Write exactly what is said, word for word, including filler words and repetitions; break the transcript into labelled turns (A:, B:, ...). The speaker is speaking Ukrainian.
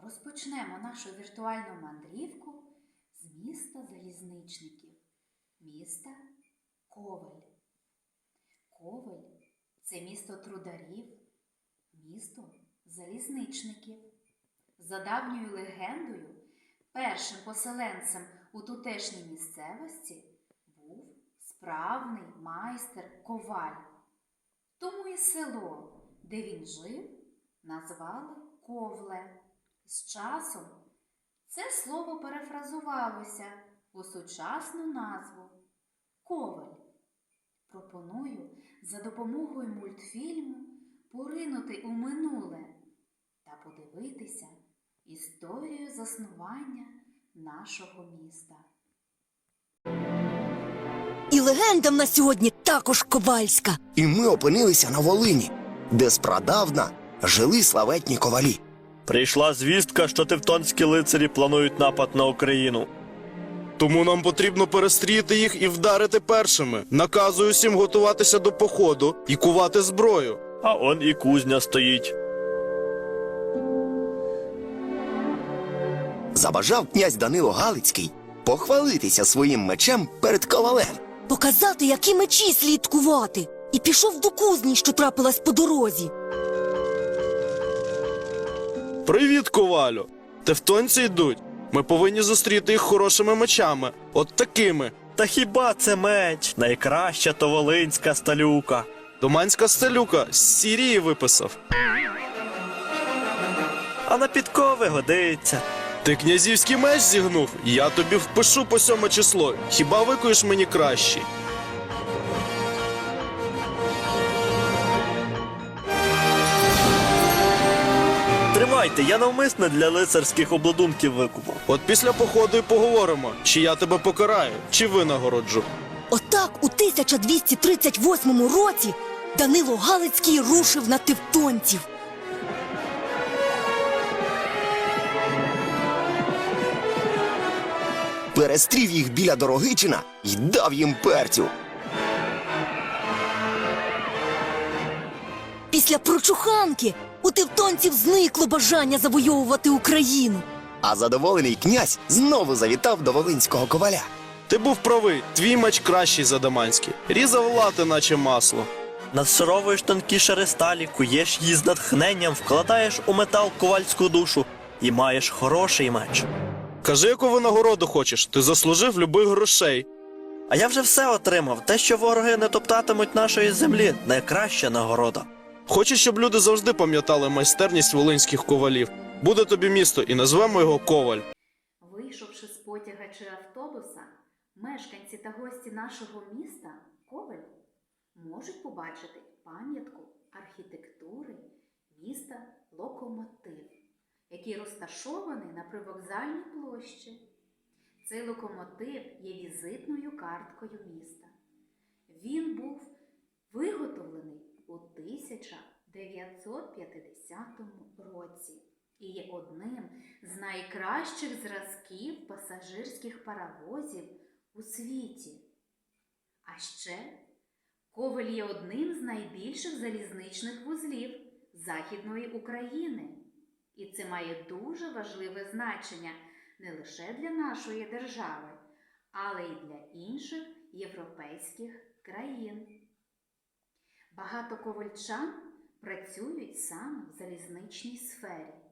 A: Розпочнемо нашу віртуальну мандрівку з міста залізничників, міста Ковель. Ковель – це місто трударів, місто залізничників. За давньою легендою, першим поселенцем у тутешній місцевості був справний майстер-коваль. Тому і село, де він жив, назвали Ковле. З часом це слово перефразувалося у сучасну назву Ковель. Пропоную за допомогою мультфільму поринути у минуле та подивитися історію заснування нашого міста.
B: І легенда в нас сьогодні також ковальська.
C: І ми опинилися на Волині, де спрадавна жили славетні ковалі.
D: Прийшла звістка, що тевтонські лицарі планують напад на Україну.
E: Тому нам потрібно перестріти їх і вдарити першими. Наказую всім готуватися до походу і кувати зброю.
D: А он і кузня стоїть.
C: Забажав князь Данило Галицький похвалитися своїм мечем перед ковалем.
B: Показати, які мечі слід кувати. І пішов до кузні, що трапилась по дорозі.
E: Привіт, ковалю! Тевтонці йдуть. Ми повинні зустріти їх хорошими мечами. От такими.
D: Та хіба це меч? Найкраща то волинська сталюка.
E: Доманська стелюка з Сірії виписав.
D: А на підкови годиться.
E: Ти князівський меч зігнув? Я тобі впишу по сьоме число. Хіба викуєш мені кращий?
D: Тримайте, я навмисне для лицарських обладунків викупав.
E: От після походу і поговоримо, чи я тебе покараю, чи винагороджу.
B: Отак у тисяча двісті тридцять восьмому році Данило Галицький рушив на тевтонців.
C: Перестрів їх біля Дорогичина й дав їм перцю.
B: Після прочуханки у тевтонців зникло бажання завойовувати Україну.
C: А задоволений князь знову завітав до волинського коваля.
E: Ти був правий, твій меч кращий за даманський. Різав лати, наче масло.
D: Надшаровуєш тонкі шари сталі, куєш її з натхненням, вкладаєш у метал ковальську душу і маєш хороший меч.
E: Кажи, яку винагороду хочеш, ти заслужив любих грошей.
D: А я вже все отримав. Те, що вороги не топтатимуть нашої землі, найкраща нагорода.
E: Хочу, щоб люди завжди пам'ятали майстерність волинських ковалів. Буде тобі місто і назвемо його Коваль.
A: Вийшовши з потяга чи автобуса, мешканці та гості нашого міста Ковель можуть побачити пам'ятку архітектури міста Локомотив, який розташований на привокзальній площі. Цей локомотив є візитною карткою міста. Він був виготовлений у тисяча дев'ятсот п'ятдесятому році і є одним з найкращих зразків пасажирських паровозів у світі. А ще Ковель є одним з найбільших залізничних вузлів Західної України. І це має дуже важливе значення не лише для нашої держави, але й для інших європейських країн. Багато ковальчан працюють саме в залізничній сфері.